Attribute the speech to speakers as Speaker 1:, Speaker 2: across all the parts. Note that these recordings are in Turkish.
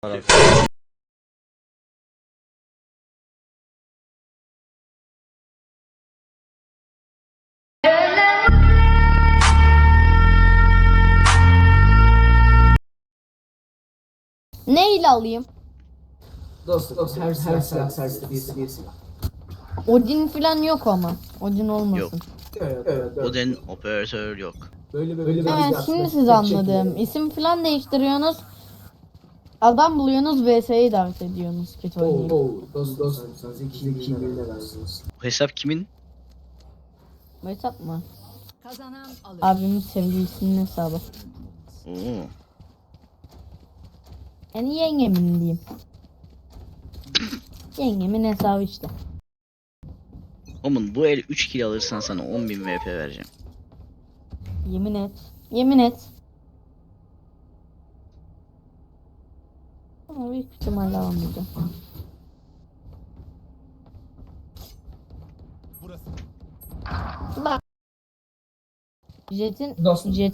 Speaker 1: Ne ile alayım?
Speaker 2: Dostum her silah serviste bir silah.
Speaker 1: Odin falan yok ama. Odin olmasın.
Speaker 3: Yok.
Speaker 2: Evet.
Speaker 3: Odin operatör yok.
Speaker 2: Böyle
Speaker 1: Evet, şimdi siz anladım. İsim falan değiştiriyorsunuz. Adam buluyorsunuz, VS'yi davet ediyorsunuz. Kötü oynayayım.
Speaker 2: Dostum sen zeki birine versiniz.
Speaker 3: Bu hesap kimin?
Speaker 1: Bu hesap mı?
Speaker 4: Kazanan alır.
Speaker 1: Abimin sevgilisinin hesabı.
Speaker 3: Oo.
Speaker 1: Yani yengemin diyeyim. Yengemin hesabı işte.
Speaker 3: Oğlum bu el 3 kill alırsan sana 10.000 VP vereceğim.
Speaker 1: Yemin et. Yemin et. Ama büyük ihtimalle almayacağım. Bak. Jet'in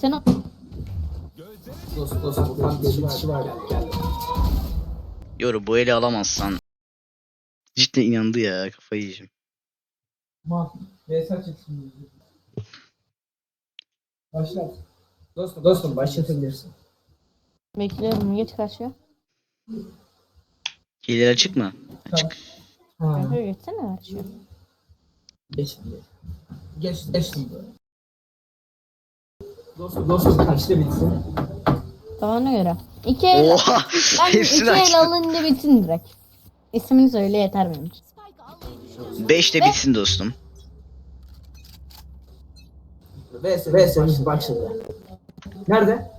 Speaker 2: Dostum ufak bir kişi var gel.
Speaker 3: Yoru bu eli alamazsan. Cidden inandı ya, kafayı yiyeceğim.
Speaker 2: Mesaj çıksın. Başlat. Dostum başlatabilirsin.
Speaker 1: bekliyorum, geç karşıya.
Speaker 3: Hileler açık mı? Açık.
Speaker 1: Kanka geçsene karşıya.
Speaker 2: Geç. Dostum kaçta bitsin?
Speaker 1: Tamam, göre. İki el,
Speaker 3: Oha!
Speaker 1: ben iki
Speaker 3: Hepsini
Speaker 1: el
Speaker 3: açtı.
Speaker 1: alınca bitsin direkt. İsmini söyle yeter benim için.
Speaker 4: Spike almayı düşünüyorum.
Speaker 3: 5'te bitsin dostum.
Speaker 2: VS'miz başladı. Nerede?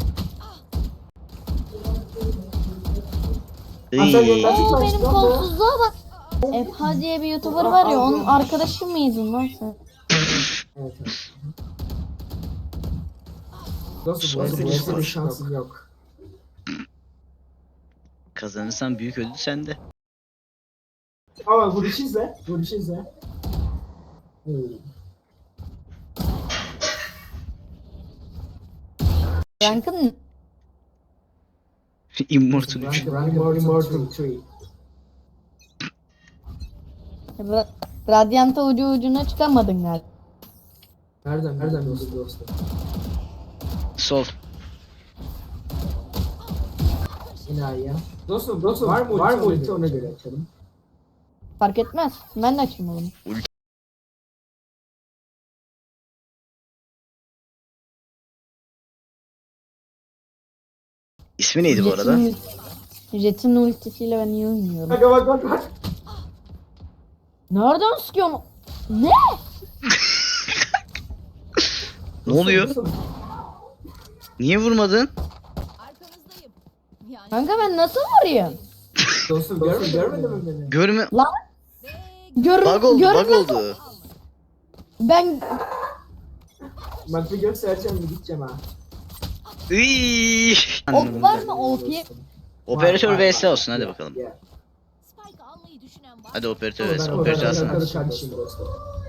Speaker 3: Iy.
Speaker 1: Oo, benim kolsuzluğa bak. Efha diye bir YouTuber var ya, onun arkadaşı mıydın lan sen?
Speaker 2: Evet. Dostum bu VS'de şansım yok.
Speaker 3: Kazanırsan büyük ödül sende.
Speaker 2: Ama vuruşu izle.
Speaker 1: Rankın
Speaker 3: Immortal 3.
Speaker 2: Immortal 3.
Speaker 1: Radyanta ucuna çıkamadın galiba.
Speaker 2: Nereden dostum?
Speaker 3: Sol.
Speaker 2: İnayi ya. Dostum var mı ulti ona göre açalım.
Speaker 1: Fark etmez. Ben de açayım onu.
Speaker 3: İsmi neydi bu arada?
Speaker 1: Jet'in ultisiyle ben iyi oynuyorum.
Speaker 2: Bak.
Speaker 1: Nereden sıkıyorsun? Ne?
Speaker 3: Ne oluyor? Niye vurmadın?
Speaker 4: Arkanızdayım. Yani
Speaker 1: Kanka ben nasıl vurayım?
Speaker 2: Dostum görmedin mi beni?
Speaker 3: Görme...
Speaker 1: Lan
Speaker 3: Bug oldu, bug
Speaker 1: görmez-
Speaker 3: oldu.
Speaker 1: Ben
Speaker 2: Bak bir göstereceğim mi gideceğim ha.
Speaker 3: Iy.
Speaker 1: ok var mı OP?
Speaker 3: Operatör
Speaker 2: Var.
Speaker 3: vs olsun, hadi bakalım.
Speaker 2: Gel.
Speaker 4: Spike almayı düşünen var.
Speaker 3: Hadi operatör
Speaker 2: Ben
Speaker 3: vs. Operatör alsana.
Speaker 2: kardeşim dostum.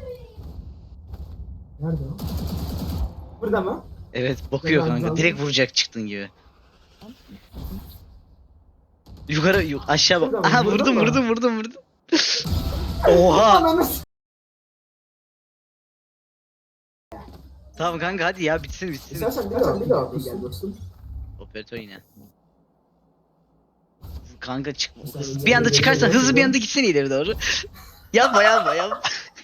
Speaker 2: Nerede o? Burada mı?
Speaker 3: Evet, bakıyor kanka. Direkt vuracak çıktın gibi. Yukarı, aşağı bak.
Speaker 2: Burada mı?
Speaker 3: Aha,
Speaker 2: Burada
Speaker 3: vurdum.
Speaker 2: mı?
Speaker 3: Oha.
Speaker 2: Ananı
Speaker 3: Tamam kanka, hadi ya, bitsin.
Speaker 2: İstersen bir daha gel dostum.
Speaker 3: Operatör yine. Kanka çık. Bir anda çıkarsan hızlı bir anda gitsene ileri doğru. yapma.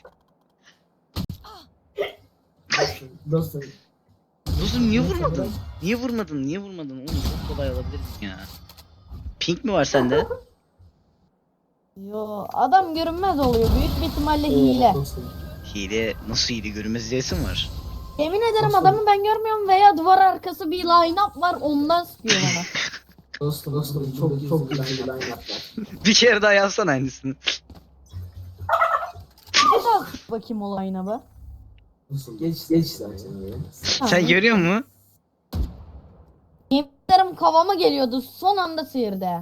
Speaker 2: Dostum.
Speaker 3: Dostum niye vurmadın? Niye vurmadın? Oğlum çok kolay alabilirdin ya. Pink mi var sende?
Speaker 1: Yo, adam görünmez oluyor. Büyük bir ihtimalle hile.
Speaker 2: Dostum.
Speaker 3: Hile, nasıl hile, görünmez diyesin var.
Speaker 1: Yemin ederim
Speaker 2: Dostum.
Speaker 1: adamı ben görmüyorum veya duvar arkası bir line-up var, ondan sıkıyor bana.
Speaker 2: Dostum çok güzel bir line yaptılar.
Speaker 3: Bir kere daha yazsana aynısını.
Speaker 1: Bir daha bakayım o line-up'a.
Speaker 2: Dostum geç zaten ya.
Speaker 3: Sen görüyor musun?
Speaker 1: Yemin ederim kafama geliyordu, son anda sıyırdı.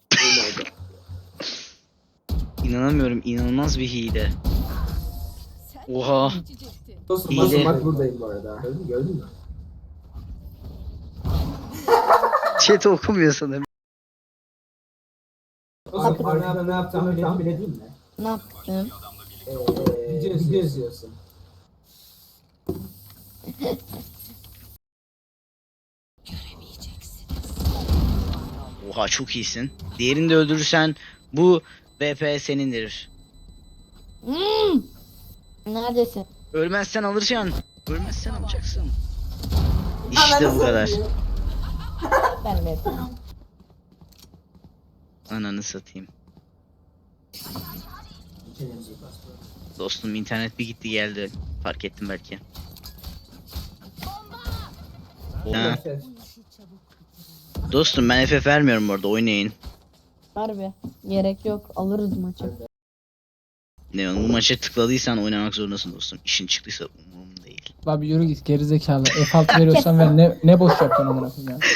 Speaker 3: İnanamıyorum, inanılmaz bir hile.
Speaker 4: Sen
Speaker 3: Oha.
Speaker 4: geçecektin.
Speaker 2: Dostum bak buradayım bu arada. Gördün mü?
Speaker 3: Chat okumuyor sanırım.
Speaker 2: Dostum bana ne yaptığını tahmin edeyim mi?
Speaker 1: Ne yaptın?
Speaker 2: Video izliyorsun.
Speaker 3: Oha çok iyisin. Diğerini de öldürürsen bu VP senindir.
Speaker 1: Neredesin?
Speaker 3: Ölmezsen alacaksın. Ölmezsen alacaksın. İşte bu kadar.
Speaker 1: Ben de.
Speaker 3: Ananı satayım. Dostum internet bir gitti geldi. Fark ettim belki. Ha. Dostum ben FF vermiyorum orada oynayın.
Speaker 1: Harbi. Gerek yok. Alırız maçı.
Speaker 3: Ne bu maça tıkladıysan oynamak zorundasın dostum. İşin çıktıysa umurumda değil.
Speaker 5: Abi yürü git gerizekalı. F6 veriyorsan ver, ne boş yapıyorsun amına koyayım ya.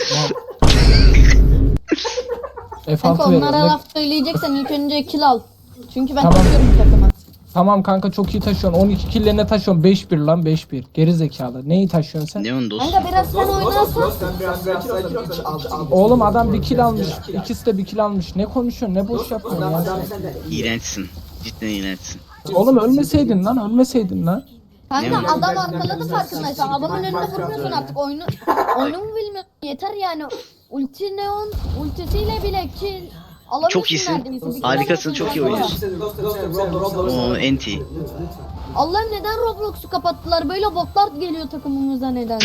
Speaker 1: Kanka
Speaker 5: F6
Speaker 1: onlara
Speaker 5: veriyorum.
Speaker 1: laf söyleyeceksen ilk önce kill al. Çünkü ben
Speaker 5: Tamam.
Speaker 1: taşıyorum takımı.
Speaker 5: Tamam kanka çok iyi taşıyorsun. 12 killerine taşıyorsun. 5-1 lan 5-1. Gerizekalı. Neyi taşıyorsun sen?
Speaker 3: Neon dostum.
Speaker 1: Kanka biraz sen oynarsan.
Speaker 2: Sen biraz sakin ol.
Speaker 5: Oğlum adam bir kill almış. İkisi de bir kill almış. Ne konuşuyorsun? Ne boş yapıyorsun ya sen?
Speaker 3: İğrençsin. Cidden iğrençsin.
Speaker 5: Oğlum ölmeseydin lan. Ölmeseydin lan.
Speaker 1: Kanka
Speaker 3: Ne
Speaker 1: adam arkaladı farkındaysan. Adamın önünde vurmuyorsun artık oyunu. Oyunu mu bilmiyorsun? Yeter yani. Ulti Neon ultisiyle bile kill alamıyorsun
Speaker 3: Çok iyisin.
Speaker 1: neredeyse. Bir kill
Speaker 3: Harikasın,
Speaker 1: alamıyorsun
Speaker 3: çok iyi
Speaker 1: kanka.
Speaker 3: O
Speaker 2: oynuyorsun.
Speaker 3: enti.
Speaker 1: Allah neden Roblox'u kapattılar? Böyle botlar geliyor takımımıza neden?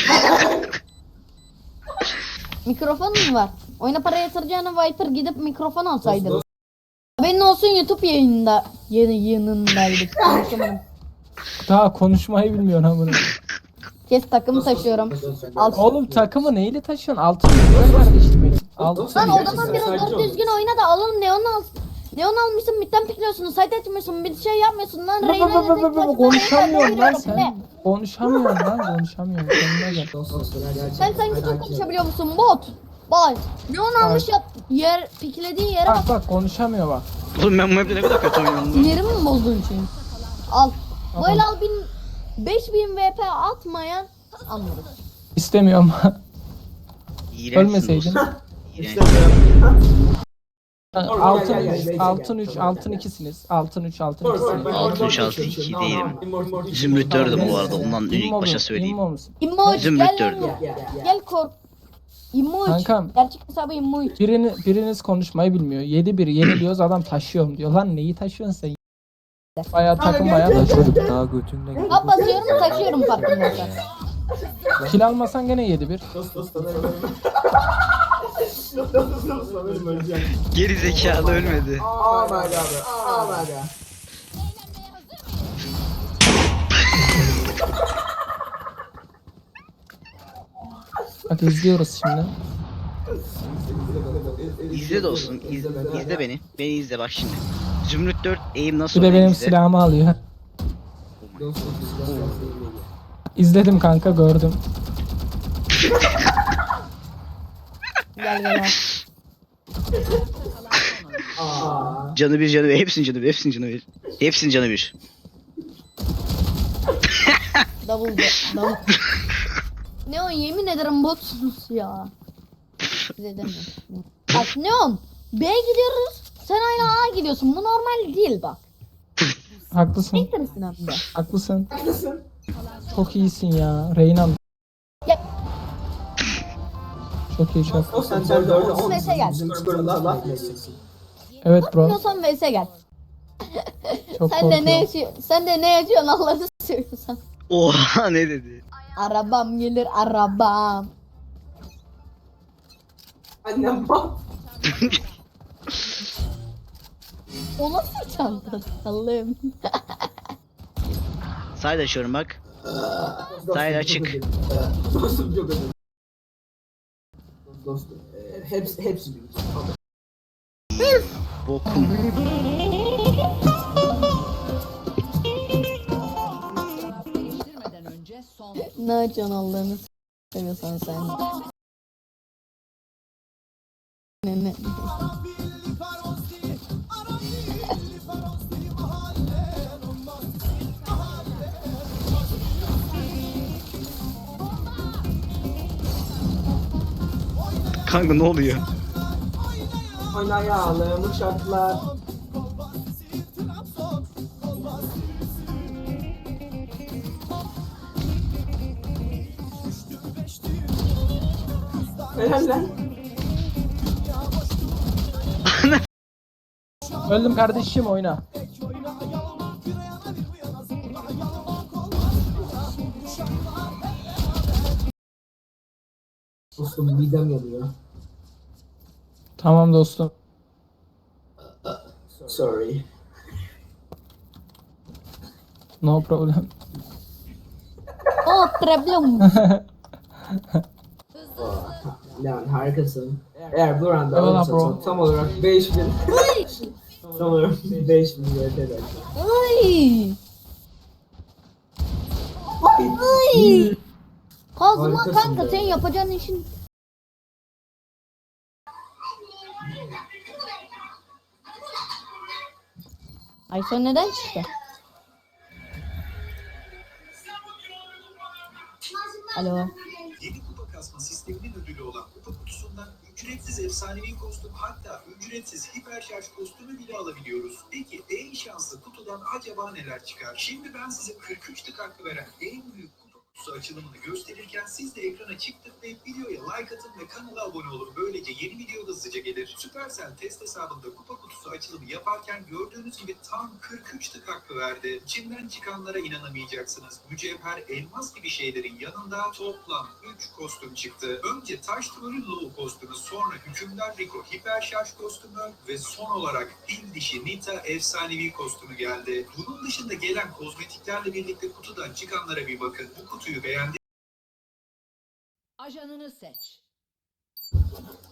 Speaker 1: Mikrofon mu var? Oyuna para yatıracağına Viper gidip mikrofon alsaydın. Haberin olsun YouTube yayında. Yayınındaydık. Konuşamadım.
Speaker 5: Daha konuşmayı bilmiyorsun amına.
Speaker 1: Kes takımı taşıyorum. Al.
Speaker 5: Oğlum takımı neyle taşıyorsun? Altın mı? Kardeşim benim. Altın.
Speaker 1: Lan o zaman biraz doğru düzgün oyna da alalım Neon al. Neon almışsın midden pikliyorsun, site etmiyorsun, bir şey yapmıyorsun lan.
Speaker 5: Konuşamıyorum lan sen. Konuşamıyorum lan konuşamıyorum. Kendine gel.
Speaker 1: Sen sanki çok konuşabiliyor musun bot? Bak Neon almış yap yer piklediği yere bak.
Speaker 5: Bak konuşamıyor bak.
Speaker 3: Oğlum ben bu map'te ne kadar kötü oynuyorum lan.
Speaker 1: Yerimi mi bozdun için? Al.
Speaker 5: Tamam.
Speaker 1: Böyle al 5000 VP atmayan anlarız.
Speaker 5: İstemiyorum.
Speaker 3: İğrençsin
Speaker 5: Ölmeseydin.
Speaker 3: dostum. İğrenç.
Speaker 5: Altın 3, altın 2'siniz. Altın 3, altın 2'siniz.
Speaker 3: Altın üç, altı iki değilim. Zümrüt dördüm bu arada. Ondan ilk başa söyleyeyim.
Speaker 1: İmmo 3
Speaker 3: Zümrüt
Speaker 1: gel
Speaker 3: dördüm.
Speaker 1: lan. Gel kork. İmmo 3.
Speaker 5: Kankam.
Speaker 1: Gerçek hesabı İmmo 3.
Speaker 5: Biriniz konuşmayı bilmiyor. 7-1 yeniliyoruz adam taşıyorum diyor. Lan neyi taşıyorsun sen? Bayağı takım bayağı taşıyor.
Speaker 6: Daha götünde
Speaker 1: Hap basıyorum taşıyorum farkındaysan.
Speaker 5: Kill almasan gene 7-1.
Speaker 3: Geri zekalı ölmedi.
Speaker 2: Oh my god. Oh my god.
Speaker 5: Bak izliyoruz şimdi.
Speaker 3: İzle dostum. İzle beni. Beni izle bak şimdi. Zümrüt 4 aim nasıl
Speaker 5: Bir de
Speaker 3: oluyor
Speaker 5: benim
Speaker 3: izle.
Speaker 5: silahımı alıyor. İzledim kanka gördüm.
Speaker 1: Gel gel al.
Speaker 3: Canı bir canı bir. Hepsinin canı bir. Hepsinin canı bir. Hepsinin canı bir.
Speaker 1: Double. Neon yemin ederim botsunuz ya. Size demiyorum. Bak Neon B'ye gidiyoruz. Sen hala A gidiyorsun. Bu normal değil bak.
Speaker 5: Haklısın.
Speaker 1: Siktirsin hem de.
Speaker 5: Haklısın. Çok iyisin ya. Reynan.
Speaker 1: Gel.
Speaker 5: Çok iyi çok.
Speaker 2: Sen orada
Speaker 1: VS'e gel.
Speaker 2: bizim skorunda laf geçeceksin.
Speaker 5: Evet bro.
Speaker 1: Korkmuyorsan VS'e gel.
Speaker 5: Çok
Speaker 1: Sen de ne
Speaker 5: korkuyorum.
Speaker 1: yaşıyorsun? Sen de ne yaşıyorsun Allah'ını seviyorsan.
Speaker 3: Oha ne dedi?
Speaker 1: Arabam gelir arabam.
Speaker 2: Annem bak.
Speaker 1: O nasıl çanta? Allah'ım.
Speaker 3: Side açıyorum bak. Side açık.
Speaker 2: Dostum çok özür. Dostum. Hepsi büyük.
Speaker 3: Bokum.
Speaker 4: Değiştirmeden önce son
Speaker 1: Ne açıyorsun Allah'ını seviyorsan sen. Ne.
Speaker 3: Kanka ne oluyor?
Speaker 2: oynayalım uçaklar. Helal lan.
Speaker 5: Öldüm kardeşim, oyna.
Speaker 2: Dostum midem yanıyor.
Speaker 5: Tamam dostum.
Speaker 2: Sorry.
Speaker 5: No problem.
Speaker 1: Oh problem.
Speaker 2: Lan harikasın. Eğer bu randa
Speaker 5: Eyvallah
Speaker 2: alırsa
Speaker 5: bro.
Speaker 2: tam olarak 5000 tam olarak 5000 VT eder.
Speaker 1: Ay. Ay. Kazma
Speaker 2: Harikasın
Speaker 1: kanka
Speaker 2: be.
Speaker 1: sen yapacağın işin. Ayşe neden çıktı? Alo.
Speaker 6: Yeni kupa kasma sisteminin ödülü olan kupa kutusundan ücretsiz efsanevi kostüm, hatta ücretsiz hiper şarj kostümü bile alabiliyoruz. Peki en şanslı kutudan acaba neler çıkar? Şimdi ben size 43 tık hakkı veren en büyük kupa kutusu açılımını gösterirken siz de ekrana çift tıklayıp videoya like atın ve kanala abone olun. Böylece yeni video hızlıca gelir. Supercell test hesabında kupa kutusu açılımı yaparken gördüğünüz gibi tam 43 tık hakkı verdi. İçinden çıkanlara inanamayacaksınız. Mücevher, elmas gibi şeylerin yanında toplam 3 kostüm çıktı. Önce Taş Troll'ün Low kostümü, sonra Hükümdar Rico hiper şarj kostümü ve son olarak Fil Dişi Nita efsanevi kostümü geldi. Bunun dışında gelen kozmetiklerle birlikte kutudan çıkanlara bir bakın. Bu kutuyu beğendiniz
Speaker 4: Ajanını seç.